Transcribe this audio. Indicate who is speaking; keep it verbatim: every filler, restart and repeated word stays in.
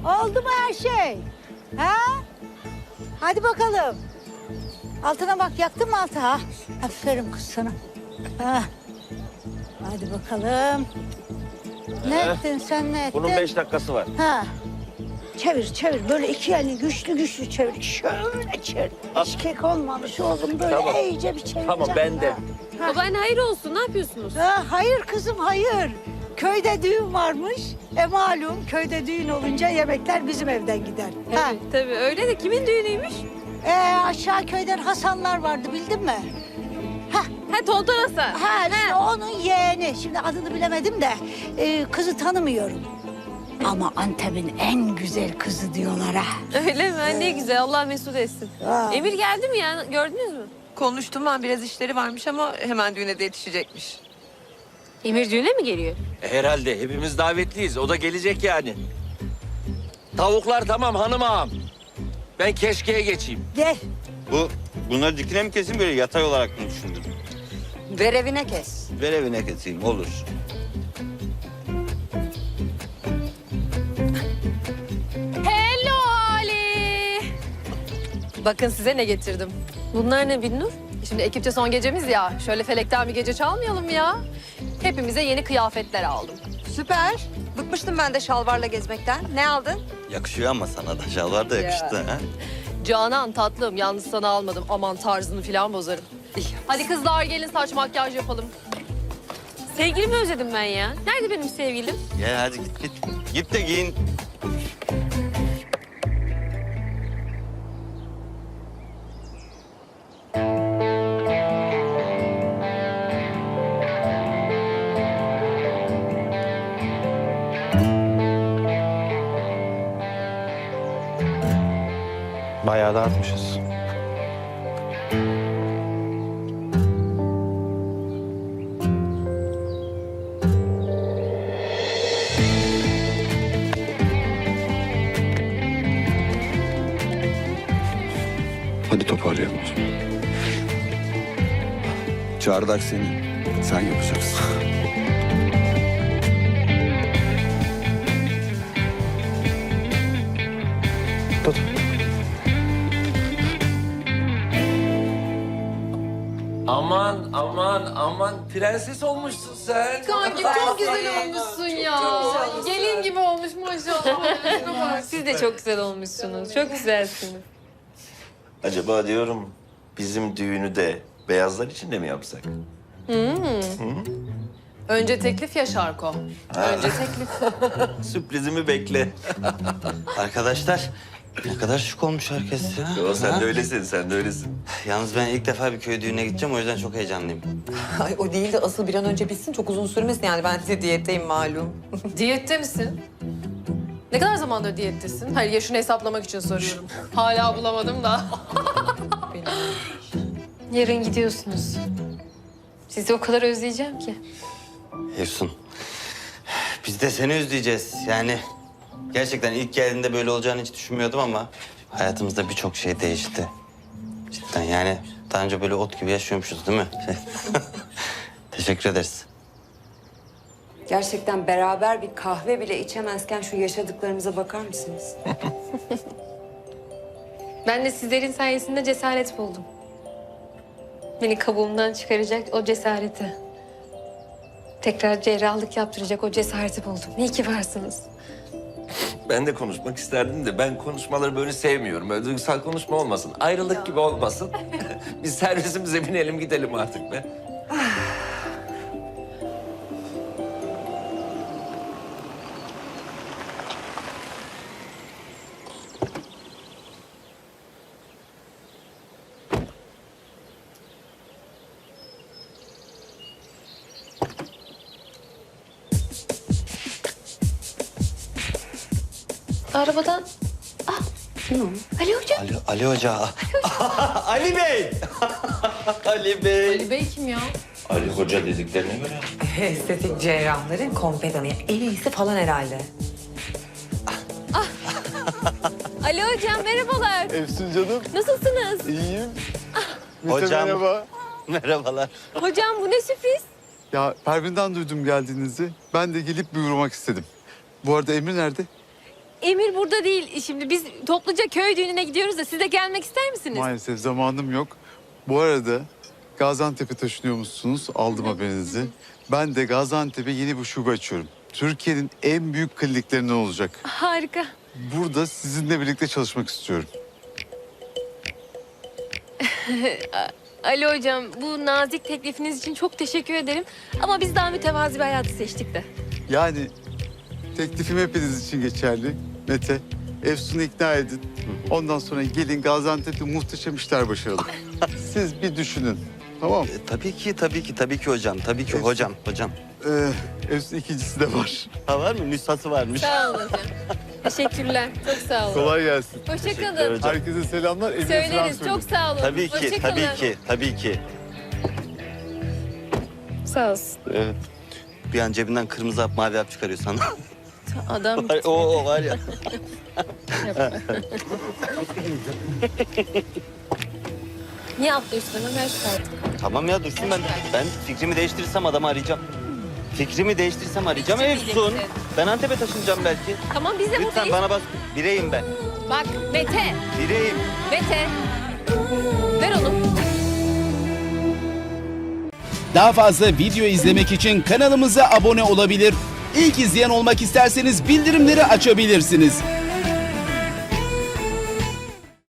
Speaker 1: Oldu mu her şey? Ha? Hadi bakalım. Altına bak, yaktın mı altı ha? Aferin kız sana. Ha. Hadi bakalım. Ne
Speaker 2: Ee,
Speaker 1: ettin sen, ne ettin?
Speaker 2: Bunun beş dakikası var.
Speaker 1: Ha. Çevir çevir, böyle iki elini güçlü güçlü çevir. Şöyle çevir. Hiç kek olmamış oğlum, böyle
Speaker 2: Tamam.
Speaker 1: iyice bir çevir.
Speaker 2: Tamam, ben de.
Speaker 1: Ha.
Speaker 3: Babaanne hayır olsun, ne yapıyorsunuz?
Speaker 1: Ha, hayır kızım, hayır. Köyde düğün varmış. E malum, köyde düğün olunca yemekler bizim evden gider. Ha.
Speaker 3: Tabii, tabii öyle de kimin düğünüymüş?
Speaker 1: E, aşağı köyden Hasanlar vardı, bildin mi? Ha,
Speaker 3: Ha Tonton Hasan.
Speaker 1: ha işte onun yeğeni. Şimdi adını bilemedim de e, kızı tanımıyorum. Ama Antep'in en güzel kızı diyorlar ha.
Speaker 3: Öyle mi? Ha, ne güzel, Allah mesut etsin.
Speaker 1: Ha.
Speaker 3: Emir geldi mi ya, gördünüz mü?
Speaker 4: Konuştum ben, biraz işleri varmış ama hemen düğüne de yetişecekmiş.
Speaker 3: Emir düğüne mi geliyor?
Speaker 2: E, herhalde hepimiz davetliyiz. O da gelecek yani. Tavuklar tamam hanım ağam. Ben keşkeye geçeyim.
Speaker 1: Gel.
Speaker 5: Bu, bunları dikine mi keseyim böyle yatay olarak mı düşündün?
Speaker 1: Ver evine kes.
Speaker 5: Ver evine keseyim, olur.
Speaker 3: Hello Ali. Bakın size ne getirdim. Bunlar ne Binnur? Şimdi ekipçe son gecemiz ya. Şöyle felekten bir gece çalmayalım mı ya? Hepimize yeni kıyafetler aldım.
Speaker 4: Süper. Bıkmıştım ben de şalvarla gezmekten. Ne aldın?
Speaker 5: Yakışıyor ama sana da şalvar da yakıştı ha.
Speaker 3: Canan tatlım, yalnız sana almadım. Aman tarzını falan bozarım. Hadi kızlar gelin saç makyaj yapalım. Sevgilimi özledim ben ya. Nerede benim sevgilim?
Speaker 5: Gel hadi git git. Git de giyin.
Speaker 6: Bayağı da artmışız.
Speaker 7: Hadi toparlayalım o zaman. Çardak senin. Sen yapacaksın.
Speaker 6: Tut.
Speaker 2: Aman aman aman prenses olmuşsun sen.
Speaker 3: Kanki çok güzel olmuşsun ya. Gelin gibi olmuş maşallah. Siz de çok güzel olmuşsunuz. Çok güzelsiniz.
Speaker 2: Acaba diyorum bizim düğünü de beyazlar içinde mi yapsak?
Speaker 3: Önce teklif ya Şarko. Önce teklif.
Speaker 2: Sürprizimi bekle.
Speaker 5: Arkadaşlar ne kadar şık olmuş herkes ya.
Speaker 2: Yo, sen
Speaker 5: Ha?
Speaker 2: de öylesin, sen de öylesin.
Speaker 5: Yalnız ben ilk defa bir köy düğününe gideceğim, o yüzden çok heyecanlıyım.
Speaker 4: Ay o değil de asıl bir an önce bitsin, çok uzun sürmesin yani. Ben de diyetteyim malum.
Speaker 3: Diyette misin? Ne kadar zamandır diyettesin? Hayır, yaşını hesaplamak için soruyorum. Hala bulamadım da. Yarın gidiyorsunuz. Sizi o kadar özleyeceğim ki.
Speaker 5: Efsun, biz de seni özleyeceğiz. Yani gerçekten ilk geldiğinde böyle olacağını hiç düşünmüyordum ama hayatımızda birçok şey değişti. Cidden yani daha önce böyle ot gibi yaşıyormuşuz değil mi? Teşekkür ederiz.
Speaker 8: Gerçekten beraber bir kahve bile içemezken şu yaşadıklarımıza bakar mısınız?
Speaker 3: Ben de sizlerin sayesinde cesaret buldum. Beni kabuğumdan çıkaracak o cesareti. Tekrar cerrahlık yaptıracak o cesareti buldum. İyi ki varsınız.
Speaker 2: Ben de konuşmak isterdim de ben konuşmaları böyle sevmiyorum. Böyle duygusal konuşma olmasın. Ayrılık gibi olmasın. Biz servisimize binelim gidelim artık be.
Speaker 3: Arabadan... Ah, Ali Hoca.
Speaker 5: Ali, Ali Hoca. Ali Bey. Ali Bey.
Speaker 3: Ali Bey kim ya?
Speaker 2: Ali Hoca dediklerine göre.
Speaker 4: Estetik cerrahların kompedanı. En iyisi falan herhalde.
Speaker 3: Ali Hocam merhabalar.
Speaker 7: Efsun canım,
Speaker 3: Nasılsınız?
Speaker 7: iyiyim.
Speaker 5: Hocam.
Speaker 7: Merhaba.
Speaker 5: Merhabalar.
Speaker 3: Hocam bu ne sürpriz?
Speaker 7: Ya Pervin'den duydum geldiğinizi. Ben de gelip bir uğramak istedim. Bu arada Emir nerede?
Speaker 3: Emir burada değil. Şimdi biz topluca köy düğününe gidiyoruz da siz de gelmek ister misiniz?
Speaker 9: Maalesef zamanım yok. Bu arada Gaziantep'e taşınıyormuşsunuz. Aldım haberinizi. Ben de Gaziantep'e yeni bir şube açıyorum. Türkiye'nin en büyük kliniklerinden olacak.
Speaker 3: Harika.
Speaker 9: Burada sizinle birlikte çalışmak istiyorum.
Speaker 3: Ali hocam, bu nazik teklifiniz için çok teşekkür ederim. Ama biz daha mütevazi bir hayatı seçtik de.
Speaker 9: Yani teklifim hepiniz için geçerli. Mete, Efsun'u ikna edin. Ondan sonra gelin Gaziantep'te muhteşem işler başaralım. Siz bir düşünün. Tamam mı?
Speaker 5: E, tabii ki, tabii ki, tabii ki hocam. Tabii ki
Speaker 9: Efsun.
Speaker 5: hocam, hocam.
Speaker 9: Ee, Efsun ikincisi de var.
Speaker 5: Ha var mı? Nüshası varmış.
Speaker 3: Sağ olun hocam. Teşekkürler. Çok sağ olun.
Speaker 9: Kolay gelsin.
Speaker 3: Hoşçakalın.
Speaker 5: hocam.
Speaker 9: Herkese selamlar. Emine selam
Speaker 3: Söyleriz.
Speaker 9: söyleyin.
Speaker 3: Çok sağ olun.
Speaker 5: Tabii ki,
Speaker 3: Hoşça kalın.
Speaker 5: tabii ki, tabii ki.
Speaker 3: Sağ olsun.
Speaker 5: Evet. Bir an cebinden kırmızı hap, mavi hap çıkarıyor sana.
Speaker 3: Adam
Speaker 5: Var- o, o var ya.
Speaker 3: niye atlıyorsun hemen? Ver şu kartı.
Speaker 5: Tamam ya dursun ben. Ben fikrimi değiştirirsem adamı arayacağım. Fikrimi değiştirirsem arayacağım.
Speaker 3: Fikri
Speaker 5: Efsun.
Speaker 3: bilirsin.
Speaker 5: Ben Antep'e taşınacağım belki.
Speaker 3: Tamam biz de
Speaker 5: Lütfen
Speaker 3: buradayız.
Speaker 5: bana bas. Bireyim ben.
Speaker 3: Bak Mete.
Speaker 5: Bireyim.
Speaker 3: Mete. Ver onu.
Speaker 10: Daha fazla video izlemek için kanalımıza abone olabilir. İlk izleyen olmak isterseniz bildirimleri açabilirsiniz.